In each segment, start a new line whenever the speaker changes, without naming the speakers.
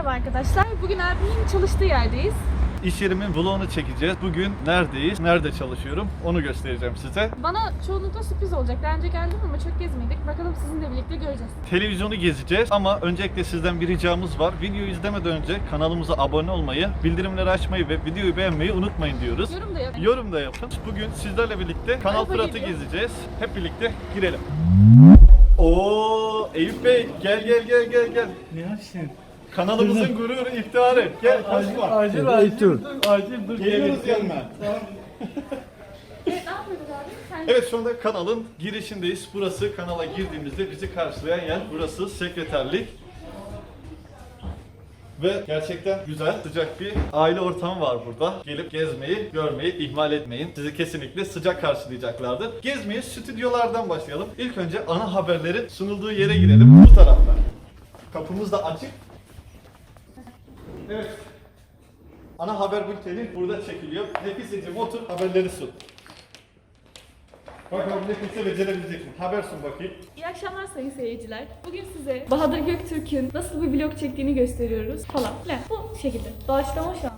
Merhaba arkadaşlar. Bugün abimin çalıştığı yerdeyiz.
İş yerimin vlogunu çekeceğiz. Bugün neredeyiz, nerede çalışıyorum onu göstereceğim size.
Bana çoğunlukla sürpriz olacak. Daha önce geldim ama çok gezmedik. Bakalım sizinle birlikte göreceğiz.
Televizyonu gezeceğiz ama öncelikle sizden bir ricamız var. Videoyu izlemeden önce kanalımıza abone olmayı, bildirimleri açmayı ve videoyu beğenmeyi unutmayın diyoruz.
Yorum da yapın.
Yorum da yapın. Bugün sizlerle birlikte Kanal
Araba
Fırat'ı
geliyor.
gezeceğiz. Hep birlikte girelim. Oo, Eyüp Bey gel.
Ne yapsın?
Kanalımızın gururu, iftiharı. Gel kaçma.
Acil dur.
Geliyoruz yanına.
Evet, ne yapıyoruz abi? Sen...
Evet, şu anda kanalın girişindeyiz. Burası kanala girdiğimizde bizi karşılayan yer. Burası sekreterlik. Ve gerçekten güzel, sıcak bir aile ortamı var burada. Gelip gezmeyi, görmeyi ihmal etmeyin. Sizi kesinlikle sıcak karşılayacaklardır. Gezmeye stüdyolardan başlayalım. İlk önce ana haberlerin sunulduğu yere girelim. Bu taraftan. Kapımız da açık. Evet. Ana haber bülteni burada çekiliyor. Nefiseciğim otur, haberleri sun. Bakalım Nefise becerebilecek mi? Haber sun bakayım.
İyi akşamlar sayın seyirciler. Bugün size Bahadır Göktürk'ün nasıl bir vlog çektiğini gösteriyoruz falan filan. Bu şekilde. Doğaçlama şu an.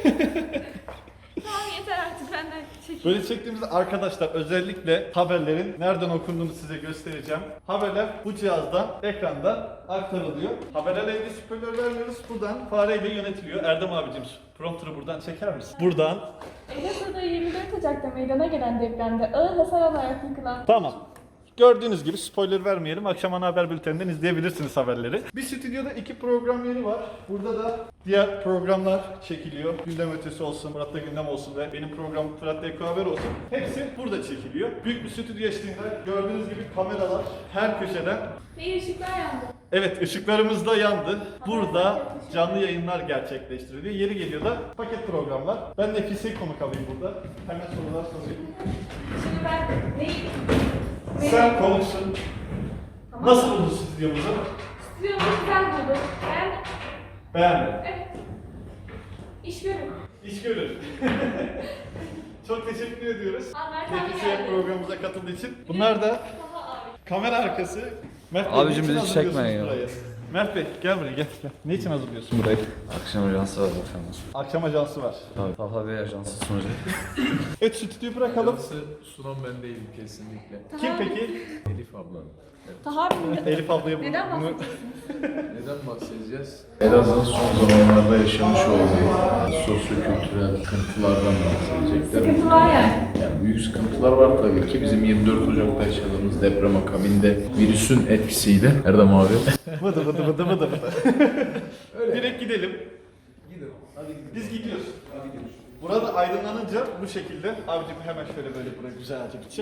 Tamam yeter artık benden çekin.
Böyle çektiğimizde arkadaşlar özellikle haberlerin nereden okunduğunu size göstereceğim. Haberler bu cihazdan, ekrandan aktarılıyor. Haberlerle ilgili spoiler vermiyoruz. Buradan fareyle yönetiliyor. Erdem abicim prompter'ı buradan çeker misin? Buradan.
Elazığ'da 24 Ocak'ta meydana gelen depremde ağır hasar alarak yıkılan...
Tamam. Gördüğünüz gibi spoiler vermeyelim. Akşam ana haber bülteninden izleyebilirsiniz haberleri. Bir stüdyoda 2 program yeri var. Burada da diğer programlar çekiliyor. Gündem ötesi olsun, Fırat'ta gündem olsun ve benim programım Fırat'ta Eko Haber olsun. Hepsi burada çekiliyor. Büyük bir stüdyo eşliğinde gördüğünüz gibi kameralar her köşeden.
Ve ışıklar yandı.
Evet, ışıklarımız da yandı. Burada canlı yayınlar gerçekleştiriliyor. Yeri geliyor da paket programlar. Ben Nefise'yi konuk alayım burada. Hemen sorular sorayım.
Şimdi ben neyim?
Sen konuşsun.
Tamam.
Nasıl buldun stüdyomuzu?
Stüdyomu güzel buldum. Ben...
Beğendim.
Evet. İş görün.
İş görür. Çok teşekkür ediyoruz.
Mert abi
Nefise
geldi.
programımıza katıldığı için. Bunlar da
Daha abi.
kamera arkası. Mert Bey,
Abicim
niçin
bizi
hazırlıyorsunuz
çekmeyin ya.
burayı? Mert Bey gel buraya gel. Ne için hazırlıyorsun burayı?
Akşam ajansı var bakalım.
Akşam ajansı var.
Tabii. Talha Bey ajansı sunacak.
Evet, stüdyoyu bırakalım.
Sunan ben değilim kesinlikle.
Kim peki?
Elif abla.
Taha abi
Elif ablaya
neden
bunu...
Neden bahsedeceğiz?
Elazığ'ın son zamanlarda yaşamış olduğu sosyo-kültürel sıkıntılardan bahsedecekler.
sıkıntı var yani.
Yani büyük sıkıntılar var tabii ki. Bizim 24 Ocak'ta yaşadığımız deprem akabinde virüsün etkisiyle. Erdem abi.
Vıdı. Direkt gidelim.
Gidelim. Hadi gidelim.
Biz gidiyoruz.
Hadi gidelim.
Burada aydınlanınca bu şekilde. Abicim hemen şöyle böyle buraya güzelce bir çek.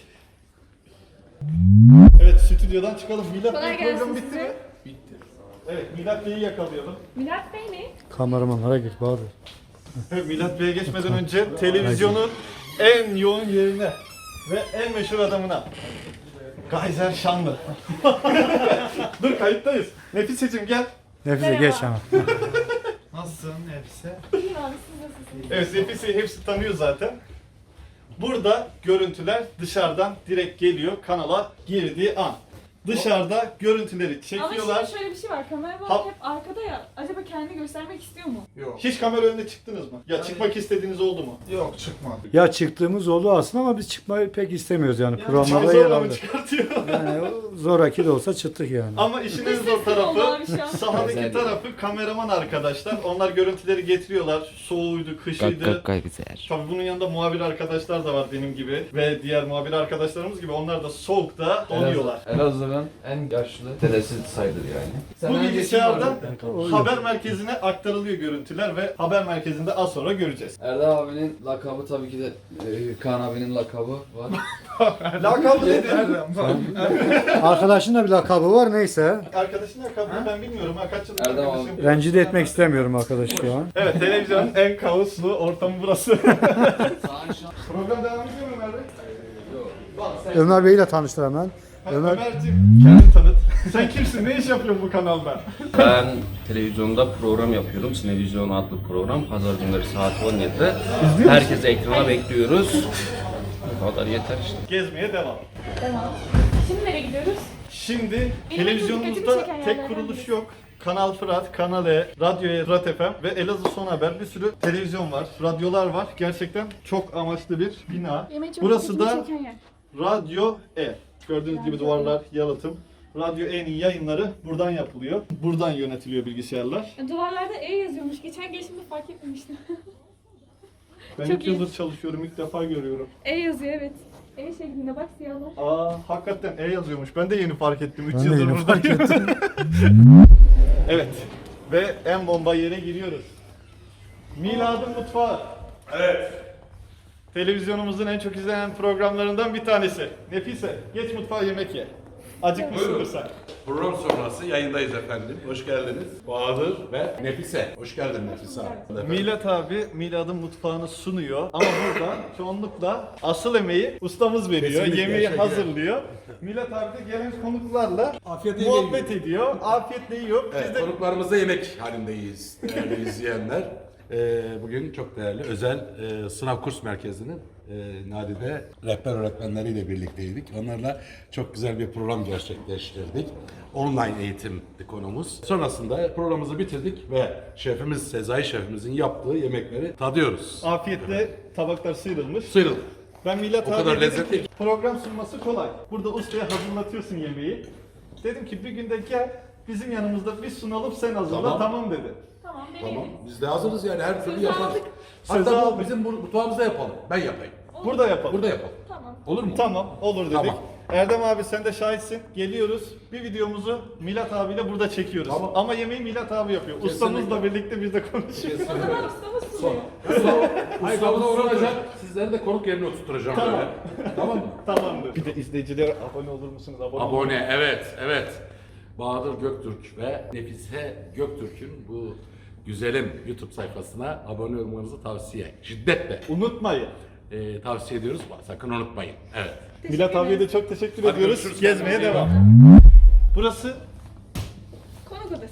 Evet, stüdyodan çıkalım. Milat
Kolay
Bey
gelsin
program bitti
size.
mi?
Bitti.
Evet, Milat Bey'i yakalayalım.
Milat Bey ne?
Kameramanlara git Bahadır.
Milat Bey'e geçmeden önce televizyonun en yoğun yerine ve en meşhur adamına. Gayzer Şanlı. Dur, kayıttayız. Nefiseciğim gel.
Nefise
Merhaba.
geç ama.
Nasılsın Nefise?
İyiyim abi siz nasılsınız?
Evet, Nefise'yi hepsi tanıyor zaten. Burada görüntüler dışarıdan direkt geliyor kanala girdiği an. Dışarıda görüntüleri
Ama
çekiyorlar.
şimdi şöyle bir şey var. Kameraman
Ha-
hep arkada ya. Acaba kendini göstermek istiyor mu?
Yok.
Hiç kamera önüne çıktınız mı? Ya çıkmak istediğiniz oldu mu?
Yok çıkmadık.
Ya çıktığımız oldu aslında ama biz çıkmayı pek istemiyoruz yani.
Çok
Programlarda yer
zorla mı
aldık.
çıkartıyor?
Yani o zoraki de olsa çıktık yani.
Ama işin en
Biz
zor
sessiz oldu
tarafı,
abi şu an.
sahadaki tarafı kameraman arkadaşlar. Onlar görüntüleri getiriyorlar. Soğuğuydu, kışıydı.
güzel.
Tabii bunun yanında muhabir arkadaşlar da var benim gibi ve diğer muhabir arkadaşlarımız gibi. Onlar da soğukta donuyorlar.
Elazığ'ın en yaşlı dedesi sayılır yani.
Bu bilgisayardan haber merkezine aktarılıyor görüntüler ve haber merkezinde az sonra göreceğiz.
Erdem abinin lakabı tabii ki de Kaan abinin lakabı var.
Lakabı nedir?
Arkadaşın da bir lakabı var neyse.
Arkadaşın lakabını ben bilmiyorum. Ha, kaç yıllık
Erdem
arkadaşım?
Rencide etmek istemiyorum arkadaşı şu an.
Evet, televizyonun en kaoslu ortamı burası. Program devam ediyor mu Ömer Bey?
Ömer Bey'i de tanıştır hemen. Ömer,
Ömerciğim kendini tanıt. Sen kimsin? Ne iş yapıyorsun bu kanalda?
Ben televizyonda program yapıyorum. Sinevizyon adlı program. Pazar günleri saat 17'de. Herkesi ekrana bekliyoruz. Bu kadar yeter işte.
Gezmeye devam.
Tamam. Şimdi nereye gidiyoruz? Benim
Şimdi
dikkatimi
televizyonumuzda
çeken
tek
yerlerden
kuruluş
birisi.
yok. Kanal Fırat, Kanal E, Radyo E, Fırat FM ve Elazığ Son Haber, bir sürü televizyon var, radyolar var. Gerçekten çok amaçlı bir bina.
Benim en çok
Burası
dikkatimi
da
çeken yer.
Radyo E. Gördüğünüz gibi duvarlar yalıtım. Radyo E'nin yayınları buradan yapılıyor. Buradan yönetiliyor bilgisayarlar.
Duvarlarda E yazıyormuş. Geçen gelişimde fark etmemiştim.
Ben
Çok
2
iyi.
yıldır çalışıyorum, ilk defa görüyorum.
E yazıyor evet. E şeklinde bak siyahlar.
Hakikaten E yazıyormuş. Ben de yeni fark ettim. 3
Ben de
yıldır
yeni
buradayım.
fark ettim.
Evet. Ve en bomba yere giriyoruz. Miladın Mutfağı. Evet. Televizyonumuzun en çok izlenen programlarından bir tanesi. Nefise, geç mutfağa yemek ye. Acıkmışsındır sen.
Program sonrası yayındayız efendim. Hoş geldiniz. Bahadır ve Nefise. Hoş geldin Nefise abi.
Milat abi Milad'ın mutfağını sunuyor ama burada çoğunlukla asıl emeği ustamız veriyor.
Kesinlikle,
Yemeği
teşekkür
hazırlıyor. Milat abi de gelen konuklarla muhabbet ediyor. Afiyetle yiyor. Biz
Evet,
de
konuklarımızla yemek halindeyiz değerli izleyenler. Bugün çok değerli özel sınav kurs merkezinin Nadide rehber öğretmenleriyle birlikteydik. Onlarla çok güzel bir program gerçekleştirdik. Online eğitimdi konumuz. Sonrasında programımızı bitirdik ve şefimiz Sezai şefimizin yaptığı yemekleri tadıyoruz.
afiyetle tabaklar sıyrılmış.
Sıyrılın.
Ben Milat
O
abi
kadar
dedim
lezzetli
ki, program sunması kolay. Burada ustaya hazırlatıyorsun yemeği. Dedim ki bir günde gel bizim yanımızda bir sunalım sen hazırla.
Tamam.
Tamam dedi.
Tamam
Tamam.
deneyelim.
Biz de hazırız yani her türlü
Sözü
yaparız.
aldık.
Sözü
Hatta bu
aldık.
bizim mutfağımızda yapalım. Ben yapayım.
Burada yapalım.
Burada yapalım.
Tamam.
Olur mu?
Tamam olur dedik.
Tamam.
Erdem abi sen de şahitsin. Geliyoruz. Bir videomuzu Milat abiyle burada çekiyoruz.
Tamam.
Ama yemeği Milat abi yapıyor. Ustamızla birlikte biz de konuşuyoruz.
O zaman ustamız sunuyor.
Ustamıza uğranacak. Sizleri de konuk yerine oturtturacağım
Tamam.
böyle. Tamam mı?
Tamamdır. Bir de izleyicilere abone olur musunuz?
Abone, evet. Bahadır Göktürk ve Nefise Göktürk'ün bu güzelim YouTube sayfasına abone olmanızı şiddetle
Unutmayın.
tavsiye ediyoruz. Sakın unutmayın. Evet.
Milat abiye de çok teşekkür
Hadi
ediyoruz.
görüşürüz.
Gezmeye
Kendinize iyi
devam. Burası
Konuk odası.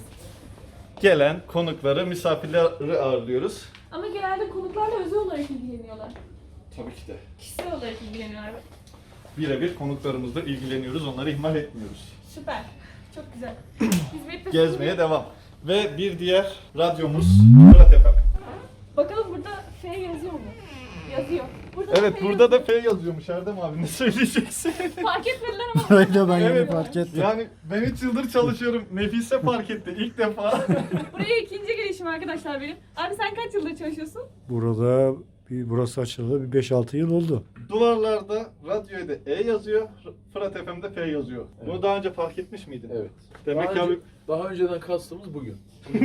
gelen konukları, misafirleri ağırlıyoruz.
Ama genelde konuklarla özel olarak ilgileniyorlar.
Tabii ki de.
Kişisel olarak ilgileniyorlar.
Birebir konuklarımızla ilgileniyoruz. Onları ihmal etmiyoruz.
Süper. Çok güzel. Hizmet ve
Gezmeye devam. Ve bir diğer radyomuz Fırat FM.
Bakalım burada F yazıyor mu? Yazıyor. Burada
Evet
F
burada da
yazıyor.
F yazıyormuş Erdem abi. Ne söyleyeceksin?
Fark etmediler ama.
Öyle ben
Evet.
yeni fark ettim.
Yani ben 3 yıldır çalışıyorum. Nefise fark etti ilk defa.
Buraya ikinci gelişim arkadaşlar benim. Abi sen kaç yıldır çalışıyorsun?
Burası açıldı bir 5-6 yıl oldu.
Duvarlarda radyoya da E yazıyor. Fırat FM'de F yazıyor. Bunu daha önce fark etmiş miydin?
Evet.
Demek ki abi
Daha önceden kastımız bugün.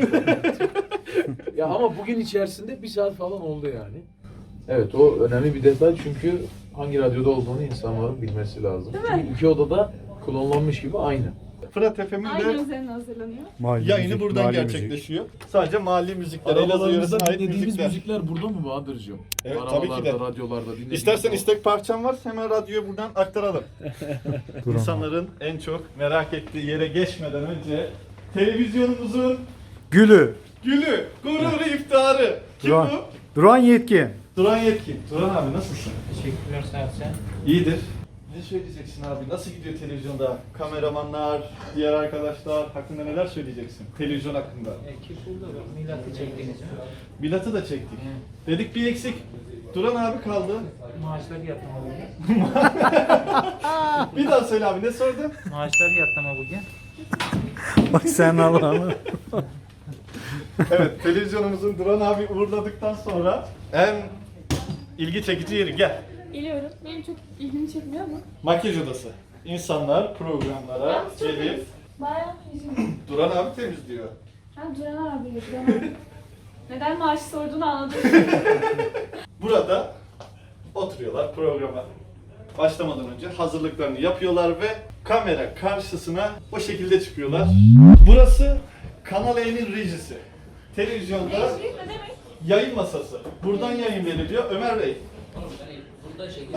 Ya ama bugün içerisinde bir saat falan oldu yani. Evet o önemli bir detay çünkü hangi radyoda olduğunu insanların bilmesi lazım.
Değil mi?
Çünkü iki odada klonlanmış gibi aynı.
Fırat FM'in
Aynı
de
üzerine hazırlanıyor.
Mahalle
yayını
müzik,
buradan
mahalle
gerçekleşiyor. Sadece mahalli müzikler, Elazığ
Arabalarımızda
yöresine ait
dinlediğimiz
müzikler.
müzikler burada mı Bahadır'cığım?
Evet, tabii ki de.
Radyolarda dinlediğimiz.
İstersen istek parçan var hemen radyoyu buradan aktaralım. İnsanların en çok merak ettiği yere geçmeden önce televizyonumuzun
Gülü.
gülü, gururu, iftiharı. Kim
Duran.
bu?
Duran Yetkin.
Duran Yetkin. Duran abi nasılsın?
Teşekkürler sağ ol sen.
İyidir. Ne söyleyeceksin abi? Nasıl gidiyor televizyonda? Kameramanlar, diğer arkadaşlar hakkında neler söyleyeceksin? Televizyon hakkında.
Ekip burada bak milatı çektiğiniz
Bilatı da çektik. Dedik bir eksik. Duran abi kaldı.
maaşları yatlama bugün.
Bir daha söyle abi ne sordun?
Maaşları yatlama bugün.
Bak sen Allah'ını.
Evet, televizyonumuzun Duran abi uğurladıktan sonra en ilgi çekici yeri gel.
Geliyorum. Benim çok ilgimi çekmiyor ama.
Makyaj odası. İnsanlar programlara
Yalnız çok
gelip
temiz. Bayağı yüzüm.
Duran abi temizliyor.
Ha Duran abi. Duran abi. Neden maaşı sorduğunu anladım.
Burada oturuyorlar programa. Başlamadan önce hazırlıklarını yapıyorlar ve kamera karşısına o şekilde çıkıyorlar. Burası Kanal E'nin rejisi. Televizyonda
Ne demek?
yayın masası. Buradan yayın veriliyor. Ömer Bey.
Burada şekil.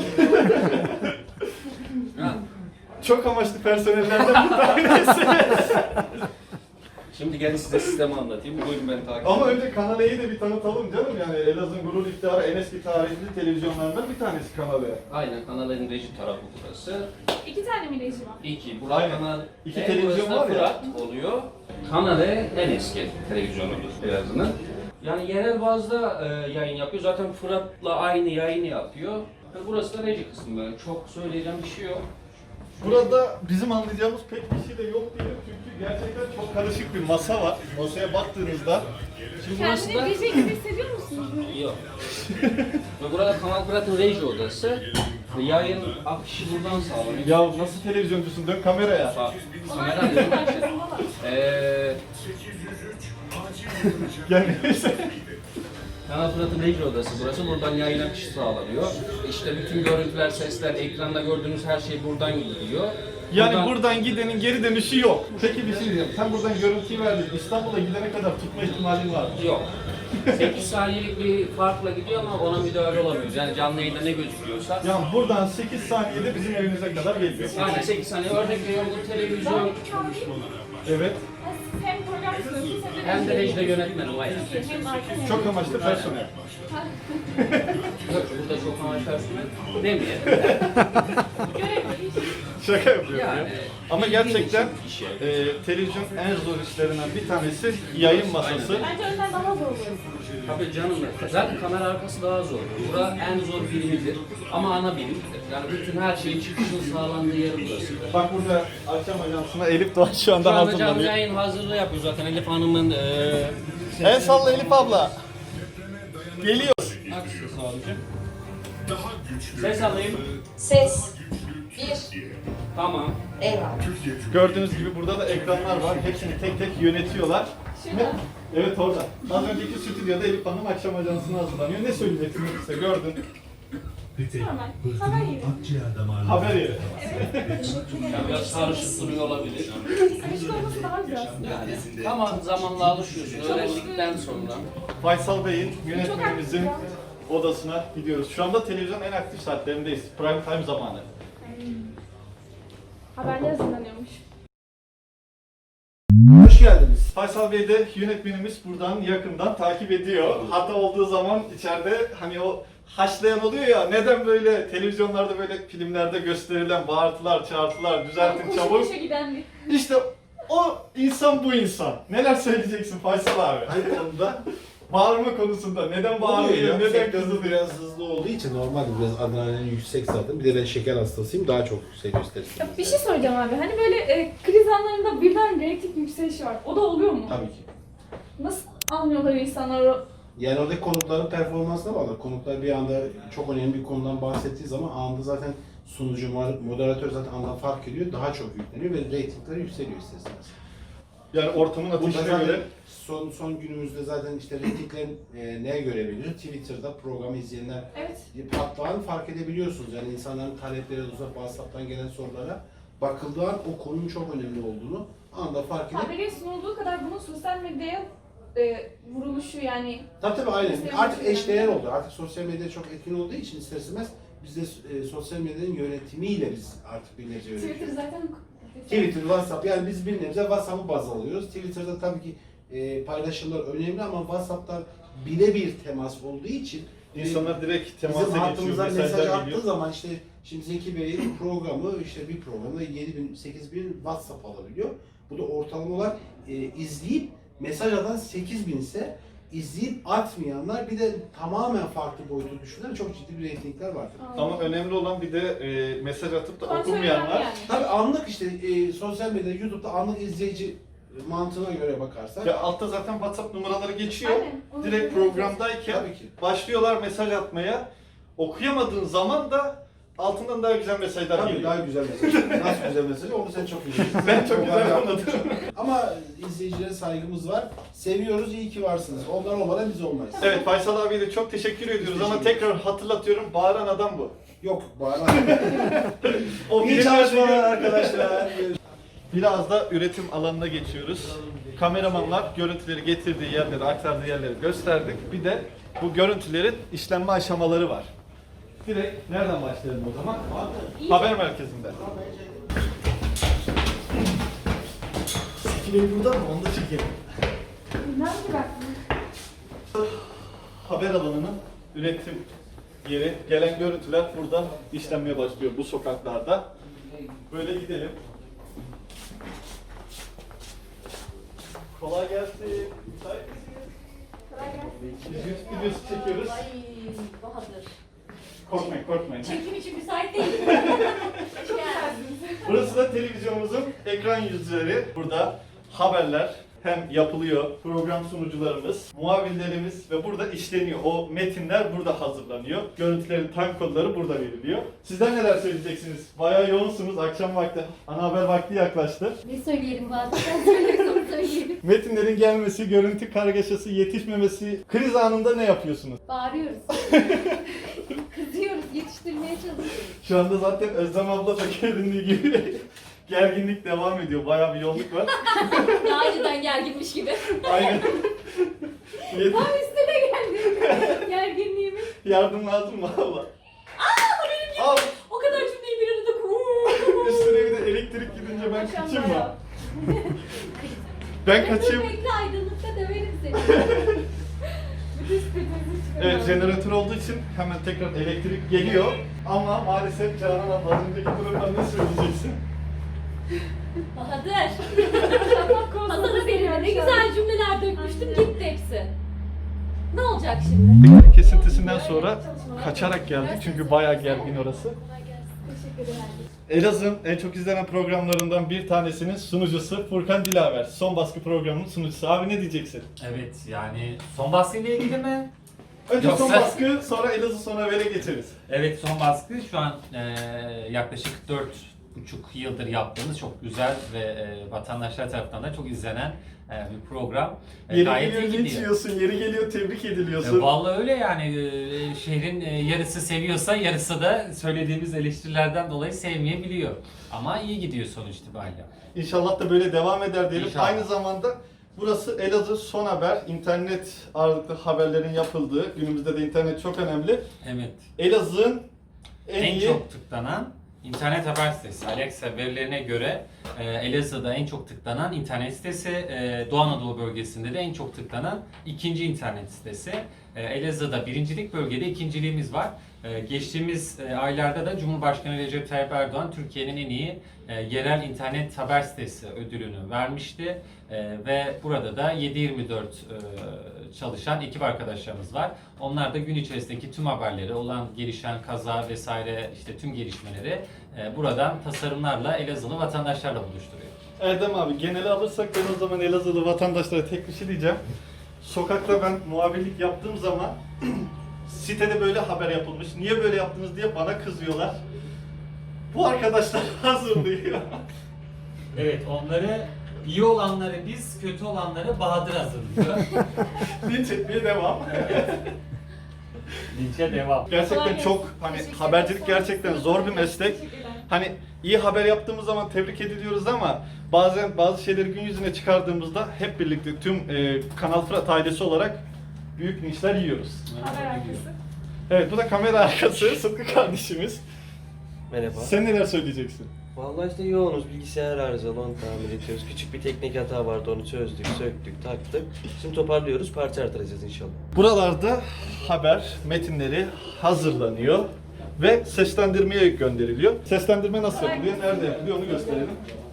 Çok amaçlı personellerden bir tanesi.
Şimdi gelin size sistemi anlatayım. Buyurun beni takip
Ama
edin.
önce Kanal E'yi de bir tanıtalım canım. Yani Elazığ'ın gurur iftiharı en eski tarihli televizyonlarından bir tanesi Kanal E.
Aynen kanalın reji tarafı burası.
2 tane mi reji var?
İki. Burası
Aynen.
kanal
İki
E,
televizyon
burası da
var ya.
Fırat oluyor. Kanal E en eski televizyonudur Elazığ'ın. Yani yerel bazda yayın yapıyor. Zaten Fırat'la aynı yayını yapıyor. Burası da reji kısmı böyle. Çok söyleyeceğim bir şey yok.
Burada bizim anlayacağımız pek bir şey de yok diyelim çünkü gerçekten çok karışık bir masa var. Masaya baktığınızda
Şimdi burası da...
Kendini DJ gibi hissediyor musunuz?
Yok. Ve burada Kanal Fırat'ın reji odası. Ve yayın akışı buradan sağlanıyor.
ya nasıl televizyoncusun dön kameraya.
Kamera
Onlar
diyorum.
arkasındalar.
Yani neyse.
Kanal Fırat'ın reji odası burası. Buradan yayın akışı sağlanıyor. İşte bütün görüntüler, sesler, ekranda gördüğünüz her şey buradan gidiyor.
Yani buradan gidenin geri dönüşü yok. Peki bir şey diyeceğim. Sen buradan görüntüyü verdin. İstanbul'a gidene kadar tutma ihtimalin var mı?
Yok. 8 saniyelik bir farkla gidiyor ama ona müdahale olamıyoruz. Yani canlı yayında ne gözüküyorsa.
Yani buradan 8 saniyede bizim evimize kadar geliyor.
Aynen 8 saniye. Örnek veriyorum bu televizyon
Evet.
Siz hem program sunuyorsunuz
hem de rejide yönetmenim aynen.
hem arkadaşlar.
Çok amaçlı personel.
Yok, burada çok amaç personel demeyelim.
Şaka yapıyorum
Yani,
ya. Ama gerçekten
işe.
televizyon en zor işlerinden bir tanesi yayın masası.
Bence önden daha zor oluyor.
Tabii canım zaten kamera arkası daha zor. Bura en zor birimidir ama ana birimdir. Yani bütün her şeyin çıkışının sağlandığı yer burası.
Bak burada akşam ajansına Elif Doğan şu anda
Şu anda canlı
hazırlanıyor.
yayın hazırlığı yapıyor zaten Elif Hanım'ın
El salla Elif abla. Geliyor.
Aksi sağlayacağım. Ses alayım.
Ses. 1.
Tamam.
Eyvallah.
Gördüğünüz gibi burada da ekranlar var. Hepsini tek tek yönetiyorlar.
Şurada.
Evet orada. Az önceki stüdyoda Elif Hanım akşam ajansına hazırlanıyor. Ne söyleyeceksiniz size gördün.
Normal. Haber yeri.
Haber yeri.
Yani biraz karışık duruyor olabilir.
Karışık olması daha güzel aslında.
Yani. Ama zamanla alışıyorsun. Öğrendikten sonra.
Faysal Bey'in yönetmenimizin odasına gidiyoruz. Şu anda televizyonun en aktif saatlerindeyiz. Prime time zamanı.
Haberler hazırlanıyormuş.
Hoş geldiniz.
Faysal Bey de yönetmenimiz buradan yakından takip ediyor. Hata olduğu zaman içeride hani o haşlayan oluyor ya, neden böyle televizyonlarda böyle filmlerde gösterilen bağırtılar, çağırtılar, düzeltin
Koşu
çabuk.
koşu giden bir.
İşte o insan bu insan. Neler söyleyeceksin Faysal abi?
Hangi konuda?
Bağırma konusunda. Neden
Oluyor
bağırıyor,
ya.
neden
Sektör
kızılıyor?
biraz hızlı olduğu için normalde biraz adrenalin yüksek zaten. Bir de ben şeker hastasıyım. Daha çok yükseliyor istersen.
Ya bir şey soracağım abi. Hani böyle kriz anlarında birden reyting yükselişi var. O da oluyor mu?
Tabii ki.
Nasıl anlıyorlar insanlar o?
Yani oradaki konukların performansına bağlı. Konuklar bir anda çok önemli bir konudan bahsettiği zaman anında zaten sunucu, moderatör zaten andan fark ediyor. Daha çok yükleniyor ve reytingleri yükseliyor isterseniz.
Yani ortamın
Burada
ateşine
zaten
göre.
son günümüzde zaten işte reytinglerin neye göre belirliyor? Twitter'da programı izleyenler
Evet.
patlağını fark edebiliyorsunuz. Yani insanların talepleri, WhatsApp'tan gelen sorulara bakıldığı an o konunun çok önemli olduğunu anda fark edip...
Haberi sunulduğu kadar bunun sosyal medyaya vuruluşu yani.
Tabii aynen.
Sosyal
Artık
medya
eşdeğer
önemli.
oldu. Artık sosyal medya çok etkin olduğu için ister istemez biz de sosyal medyanın yönetimiyle biz artık bir nebze
Twitter
yönetiyoruz.
zaten
Twitter, WhatsApp yani biz bir nebze WhatsApp'ı baz alıyoruz. Twitter'da tabii ki paylaşımlar önemli ama WhatsApp'ta birebir temas olduğu için
İnsanlar direkt temasa
bizim
geçiyor,
hattımıza mesaj
mesajlar
attığı
geliyor.
zaman işte şimdi Zeki Bey'in programı işte bir programda 7.000, 8.000 WhatsApp alabiliyor. Bu da ortalama olarak izleyip mesaj atan 8.000 ise izleyip atmayanlar bir de tamamen farklı boyutu düşünen çok ciddi bir reytingler vardır.
Ama önemli olan bir de mesaj atıp da
kontrol
okumayanlar.
yani.
Tabii anlık işte sosyal medyada, YouTube'da anlık izleyici mantığına göre bakarsak
Ya altta zaten WhatsApp numaraları geçiyor.
Aynen, onu
Direkt
söyleyeceğim.
programdayken
tabii ki.
başlıyorlar mesaj atmaya. Okuyamadığın zaman da altından daha güzel mesajlar
Tabii
geliyor.
daha güzel mesaj. Nasıl güzel mesaj? Onu sen çok iyi biliyorsun.
Ben çok güzel anladım.
Ama izleyicilere saygımız var. Seviyoruz, iyi ki varsınız. Onlar olmadan biz olmayız.
Evet Faysal abiye de çok teşekkür ediyoruz ama tekrar hatırlatıyorum, bağıran adam bu.
Yok, bağıran.
O
İyi
filmlerdeki-
çalışmalar arkadaşlar.
Biraz da üretim alanına geçiyoruz. Kameramanlar görüntüleri getirdiği yerleri, aktardığı yerleri gösterdik. Bir de bu görüntülerin işlenme aşamaları var. Direkt nereden başlayalım o zaman? Haber merkezinde. Bey burada mı? Onu da çekelim.
Nerede baktın?
Haber alanının üretim yeri. Gelen görüntüler burada işlenmeye başlıyor bu sokaklarda. Böyle gidelim. Kolay gelsin. Müsait misiniz?
Kolay gelsin.
Biz YouTube videosu çekiyoruz.
Ay Bahadır.
Korkmayın.
Çekim için müsait değil. Hoş geldiniz.
Burası da televizyonumuzun ekran yüzleri. Burada haberler hem yapılıyor, program sunucularımız, muavinlerimiz ve burada işleniyor. O metinler burada hazırlanıyor. Görüntülerin time kodları burada veriliyor. Sizler neler söyleyeceksiniz? Bayağı yoğunsunuz. Akşam vakti, ana haber vakti yaklaştı.
Ne söyleyelim Bahadır? Sen söylüyorsan söyleyelim.
Metinlerin gelmesi, görüntü kargaşası, yetişmemesi, kriz anında ne yapıyorsunuz?
Bağırıyoruz. Kızıyoruz, yetiştirmeye çalışıyoruz.
Şu anda zaten Özlem abla da göründüğü gibi gerginlik devam ediyor. Bayağı bir yoğunluk var.
Daha önceden gerginmiş gibi.
Aynen.
Tam üstüne geldi. Gerginliğimiz.
Yardım lazım mı abla? Al.
O kadar cümleyi bir arada
Üstüne bir de elektrik gidince ben kaçayım mı? Ben kaçayım.
Bekle aydınlıkta döverim seni.
Bütün spetinizi çıkarın.
Evet, jeneratör olduğu için hemen tekrar elektrik geliyor. Ama maalesef Canan abla az önceki durumda ne söyleyeceksin?
Bahadır. Masada benimle ne güzel cümleler dökmüştüm, gitti hepsi. Ne olacak şimdi?
Kesintisinden sonra kaçarak geldik çünkü bayağı gergin orası.
Teşekkür ederim.
Elazığ'ın en çok izlenen programlarından bir tanesinin sunucusu Furkan Dilaver. Son baskı programının sunucusu. Abi ne diyeceksin?
Evet yani son baskıyla ilgili mi?
Önce son
Yoksa-
baskı, sonra Elazığ, sonra Haber'e geçeriz.
Evet son baskı şu an yaklaşık 4,5 yıldır yaptığımız çok güzel ve vatandaşlar tarafından da çok izlenen bir program.
Yeri
Gayet iyi
geliyor linç
gidiyor.
yiyorsun, yeri geliyor tebrik ediliyorsun.
Vallahi öyle yani şehrin yarısı seviyorsa yarısı da söylediğimiz eleştirilerden dolayı sevmeyebiliyor. Ama iyi gidiyor sonuç itibariyle.
İnşallah da böyle devam eder diyelim.
İnşallah.
Aynı zamanda burası Elazığ Son Haber, internet ağırlıklı haberlerin yapıldığı, günümüzde de internet çok önemli.
Evet.
Elazığ'ın en
En
iyi
çok tıklanan internet haber sitesi. Alexa verilerine göre Elazığ'da en çok tıklanan internet sitesi, Doğu Anadolu bölgesinde de en çok tıklanan ikinci internet sitesi. Elazığ'da birincilik, bölgede ikinciliğimiz var. Geçtiğimiz aylarda da Cumhurbaşkanı Recep Tayyip Erdoğan Türkiye'nin en iyi yerel internet haber sitesi ödülünü vermişti. Ve burada da 7/24 çalışan ekip arkadaşlarımız var. Onlar da gün içerisindeki tüm haberleri, olan gelişen kaza vesaire işte tüm gelişmeleri buradan tasarımlarla Elazığlı vatandaşlarla buluşturuyor.
Erdem abi, geneli alırsak ben o zaman Elazığlı vatandaşlara tek bir şey diyeceğim. Sokakta ben muhabirlik yaptığım zaman sitede böyle haber yapılmış. Niye böyle yaptınız diye bana kızıyorlar. Bu arkadaşlar hazırlıyor.
Evet, onları iyi olanları biz, kötü olanları Bahadır hazırlıyor.
Linç etmeye devam.
Linçe devam.
Gerçekten
Kolay
çok
gelsin.
hani
Teşekkür
habercilik
ederim.
gerçekten zor bir meslek.
Teşekkürler.
Hani iyi haber yaptığımız zaman tebrik ediliyoruz ama bazen bazı şeyleri gün yüzüne çıkardığımızda hep birlikte tüm Kanal Fırat ailesi olarak büyük linçler yiyoruz.
Haber arkası.
Evet, bu da kamera arkası Sıtkı kardeşimiz.
Merhaba.
Sen neler söyleyeceksin?
Vallahi işte yoğunuz. Bilgisayar arızalı, onu tamir ediyoruz. Küçük bir teknik hata vardı, onu çözdük, söktük, taktık. Şimdi toparlıyoruz, parça artıracağız inşallah.
Buralarda haber metinleri hazırlanıyor ve seslendirmeye gönderiliyor. Seslendirme nasıl yapılıyor, nerede yapılıyor onu gösterelim.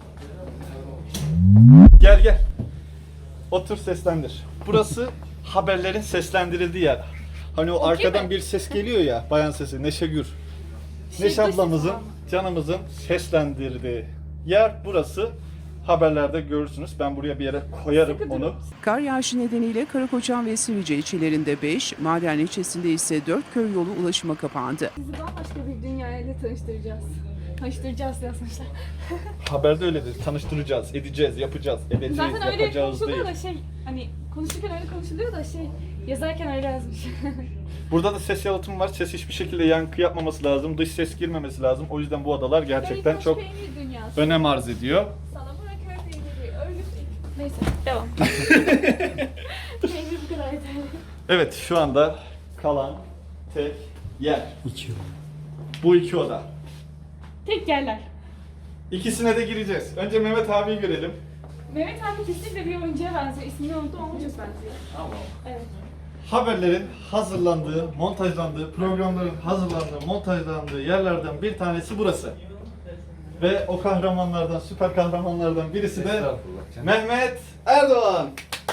Gel gel. Otur, seslendir. Burası haberlerin seslendirildiği yer. Hani o
Okey
arkadan
mi?
bir ses geliyor ya, bayan sesi, Neşe Gür.
Şey,
Neşe ablamızın,
tamam.
canımızın seslendirdiği yer burası. Haberlerde görürsünüz. Ben buraya bir yere koyarım
Sıkı
onu.
durun.
Kar yağışı nedeniyle Karakoçan ve Sivrice ilçelerinde 5, Maden ilçesinde ise 4 köy yolu ulaşıma kapandı.
Sizi bambaşka bir dünyayla tanıştıracağız. Tanıştıracağız yazmışlar.
Haberde öyledir. Tanıştıracağız, edeceğiz, yapacağız, edeceğiz,
Zaten öyle
yapacağız
konuşuluyor
değil.
da şey, hani konuşurken öyle konuşuluyor da şey, yazarken öyle yazmış.
Burada da ses yalıtımı var. Ses hiçbir şekilde yankı yapmaması lazım. Dış ses girmemesi lazım. O yüzden bu odalar gerçekten
Beykoz
çok
peynir dünyası.
önem arz ediyor.
Sana bırak peyniri, örgüt. Neyse, devam. Peynir bu kadar yeterli.
Evet, şu anda kalan tek yer. Bu iki oda.
Tek yerler.
İkisine de gireceğiz. Önce Mehmet abiyi görelim.
Mehmet abi kesinlikle bir oyuncuya benziyor. İsmini unuttum ama çok benziyor. Evet.
Haberlerin hazırlandığı, montajlandığı, programların hazırlandığı, montajlandığı yerlerden bir tanesi burası. Ve o kahramanlardan, süper kahramanlardan birisi de
Estağfurullah canım.
Mehmet Erdoğan.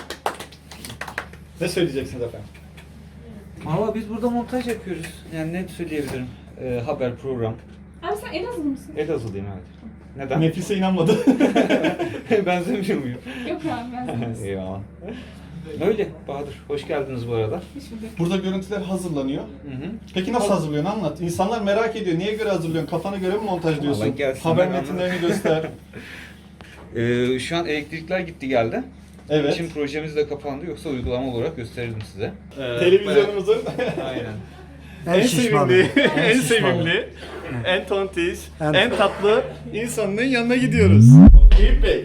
Ne söyleyeceksiniz efendim?
Valla biz burada montaj yapıyoruz. Yani ne söyleyebilirim? Haber, program.
Abi sen Elazığlı mısın?
Elazığlıyım evet. Neden?
Nefise inanmadı.
Benzemiyor muyum?
Yok abi ben
Eyvallah. Öyle Bahadır. Hoş geldiniz bu arada.
Burada görüntüler hazırlanıyor.
Hı hı.
Peki nasıl hazırlıyorsun anlat. İnsanlar merak ediyor. Niye göre hazırlıyorsun? Kafana göre mi montajlıyorsun?
Vallahi gelsinler,
Haber
anlat.
metinlerini göster.
Şu an elektrikler gitti geldi.
Evet.
Şimdi projemiz de kapandı. Yoksa uygulama olarak gösterirdim size.
Televizyonumuzun
Aynen.
en sevimli, en sevimli, en tontiş, en tatlı insanının yanına gidiyoruz. Eyüp Bey.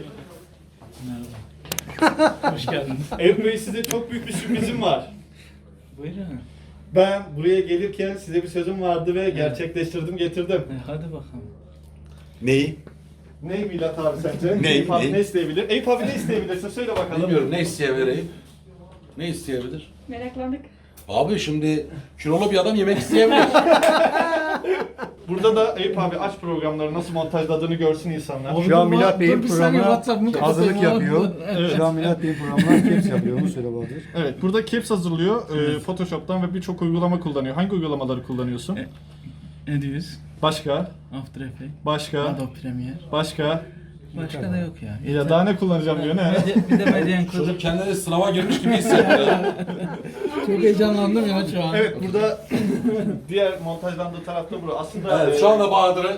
Hoş geldiniz.
Eyüp Bey, size çok büyük bir sürprizim var.
Buyurun.
Ben buraya gelirken size bir sözüm vardı ve gerçekleştirdim, getirdim.
Hadi bakalım.
Neyi?
Ne Milat abi sence?
Ne?
Eyüp abi
Ne?
ne isteyebilir? Eyüp abi ne isteyebilirsin? Söyle bakalım.
Bilmiyorum, ne isteyebilir? Ne isteyebilir?
Meraklandık.
Abi şimdi kilolu bir adam yemek isteyebilir.
Burada da Eyüp abi aç programları nasıl montajladığını görsün insanlar.
Şu an Milat Bey'in programına hazırlık yapıyor.
Evet.
Şu an Milat Bey'in programına caps yapıyor. Onu söyle Bahadır.
Evet, burada caps hazırlıyor. Photoshop'tan ve birçok uygulama kullanıyor. Hangi uygulamaları kullanıyorsun?
Ediyoruz.
Başka?
After Effects.
Başka?
Adobe Premiere.
Başka?
Başka da yok ya.
Ya daha ne kullanacağım diyor ne?
Bir de Median
Çocuk
Coder.
kendini sınava girmiş gibi hissediyor.
Çok heyecanlandım ya şu an.
Evet, burada diğer montajlandığı tarafta burası. Aslında
Evet, şu anda Bahadır'ı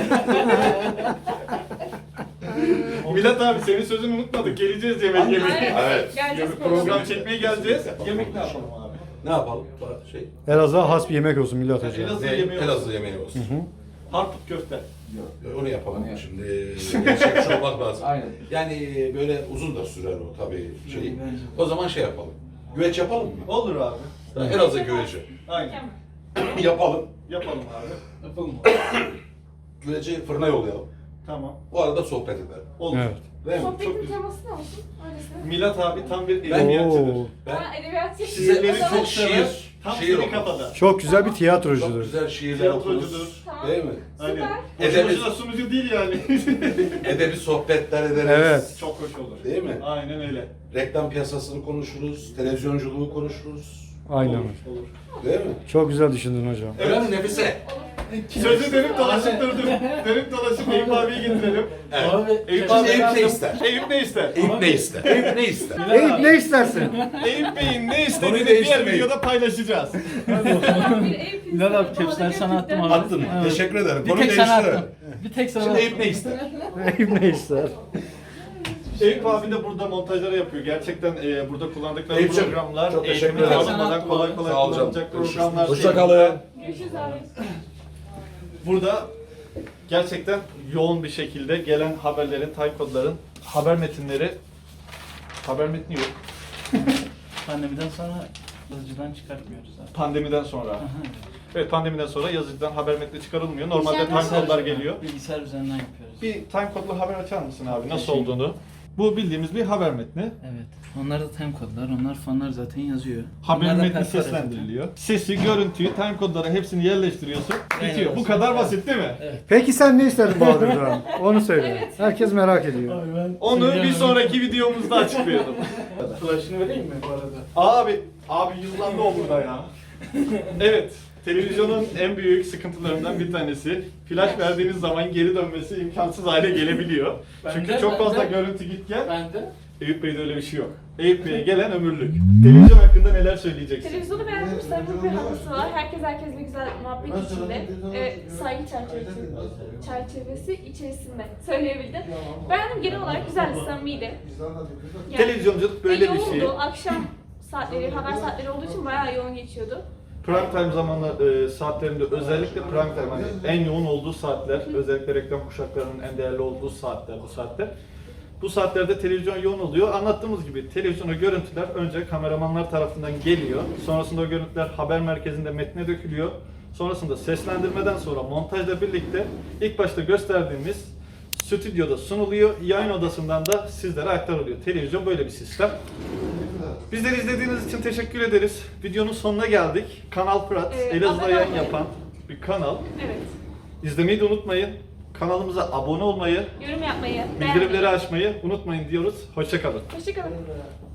Milat abi senin sözünü unutmadık. Geleceğiz yemek yemeye.
Evet.
Geleceğiz
Program çekmeye geleceğiz. Yemek ne yapalım abi?
ne yapalım? Şey,
Elazığ'a has bir yemek olsun Milat
Elazığ
ne?
yemeği olsun.
Elazığ yemeği olsun.
Harput köfte.
Onu yapalım şimdi. Gerçekçi olmak lazım.
Aynen.
Yani böyle uzun da sürer o tabii şey. O zaman şey yapalım. Güveç yapalım mı?
Olur abi.
Elazığ güveci.
Aynen.
Yapalım.
Yapalım abi.
Yapalım.
Güveci fırına yollayalım.
Tamam.
O arada sohbet edelim.
Olur.
Evet.
Değil mi?
Sohbetin
Çok güzel.
teması ne olsun? Öylesine.
Milat abi tam bir edebiyatçıdır.
Ben
Ha, edebiyatçı.
size
O zaman-
çok şiir,
Tam
şiir
senin
okur.
kafada.
Çok güzel bir
Çok
tiyatrocudur.
güzel şiirler
Tiyatrocudur.
okuruz.
Tamam.
Değil mi?
Aynen.
Edebi-
Boşu boşuna sunucu değil yani.
Edebi sohbetler ederiz.
Evet.
Çok hoş olur.
Değil mi?
Aynen öyle.
Reklam piyasasını konuşuruz, televizyonculuğu konuşuruz.
Aynen.
Olur. Olur.
Değil mi?
Çok güzel düşündün hocam.
Öyle mi Nefise?
Sözü dönüp dolaşıp durdum. Dönüp dolaşıp Eyüp abiyi getirelim.
Evet.
Eyüp
Şimdi
abi
Eyüp ne ister?
Eyüp ne ister?
Eyüp ne ister? Eyüp ne ister?
Eyüp ne istersin?
Eyüp Bey'in ne
Konuyu
istediğini diğer
değiştirmeyin.
videoda paylaşacağız.
Bilal abi caps'ler sana attım abi.
Attın mı?
Evet.
Teşekkür ederim.
Bir
Konuyu
tek sana
değiştirelim.
attım. Bir tek sana
Şimdi
attım.
Eyüp ne ister?
Eyüp ne ister?
Eyüp abi de burada montajları yapıyor. Gerçekten burada kullandıkları
Eyüp'cim,
programlar
çok teşekkür
eğitimini
ederim.
almadan kolay kolay
Sağ ol canım.
kullanılacak programlar değil.
Hoşçakalın.
Görüşürüz abi.
Burada gerçekten yoğun bir şekilde gelen haberlerin, time kodların, haber metinleri, haber metni yok.
Pandemiden sonra yazıcıdan çıkartmıyoruz abi.
Pandemiden sonra. Evet, pandemiden sonra yazıcıdan haber metni çıkarılmıyor. Normalde time
Bilgisayar
kodlar geliyor.
Bilgisayar üzerinden yapıyoruz.
Bir time kodlu haber açar mısın abi? Nasıl
Teşekkür.
olduğunu? Bu bildiğimiz bir haber metni.
Evet. Onlar da time kodlar. Onlar fanlar zaten yazıyor.
Haber
Onlar da
metni
perforans
seslendiriliyor. Sesi, görüntüyü, time kodları hepsini yerleştiriyorsun.
Aynen
Bitiyor. Bu
öyle.
kadar basit değil mi?
Peki sen ne istedin Bahadır'dan? Onu söyle. Herkes merak ediyor.
Onu bir sonraki videomuzda açıklayalım.
Flash'ını vereyim mi bu arada?
Abi yıllandı o burada ya. Evet. Televizyonun en büyük sıkıntılarından bir tanesi. Flash verdiğiniz zaman geri dönmesi imkansız hale gelebiliyor. Çünkü çok fazla görüntü git gel.
Bende.
Eyüp Bey'de öyle bir şey yok. Eyüp Bey'e gelen ömürlük. Televizyon hakkında neler söyleyeceksin?
Televizyonu beğendim. Sarımlı bir havası var. Herkesle güzel muhabbet içinde. Saygı çerçevesi içerisinde söyleyebildim. Beğendim, genel olarak güzeldi, samimiydi. Yani,
Televizyonculuk böyle bir şey.
yoğundu. Akşam saatleri, haber saatleri olduğu için bayağı yoğun geçiyordu.
Prime time zamanlar saatlerinde özellikle prime time hani en yoğun olduğu saatler, özellikle reklam kuşaklarının en değerli olduğu saatler bu saatler. Bu saatlerde televizyon yoğun oluyor. Anlattığımız gibi televizyona görüntüler önce kameramanlar tarafından geliyor. Sonrasında o görüntüler haber merkezinde metne dökülüyor. Sonrasında seslendirmeden sonra montajla birlikte ilk başta gösterdiğimiz stüdyoda sunuluyor. Yayın odasından da sizlere aktarılıyor. Televizyon böyle bir sistem. Bizleri izlediğiniz için teşekkür ederiz. Videonun sonuna geldik. Kanal Fırat, Elazığ'da
abone
yayın
olmayı.
yapan bir kanal.
Evet.
İzlemeyi de unutmayın. Kanalımıza abone olmayı,
Yorum yapmayı,
bildirimleri
beğenmeyi.
açmayı unutmayın diyoruz. Hoşça kalın.
Hoşçakalın.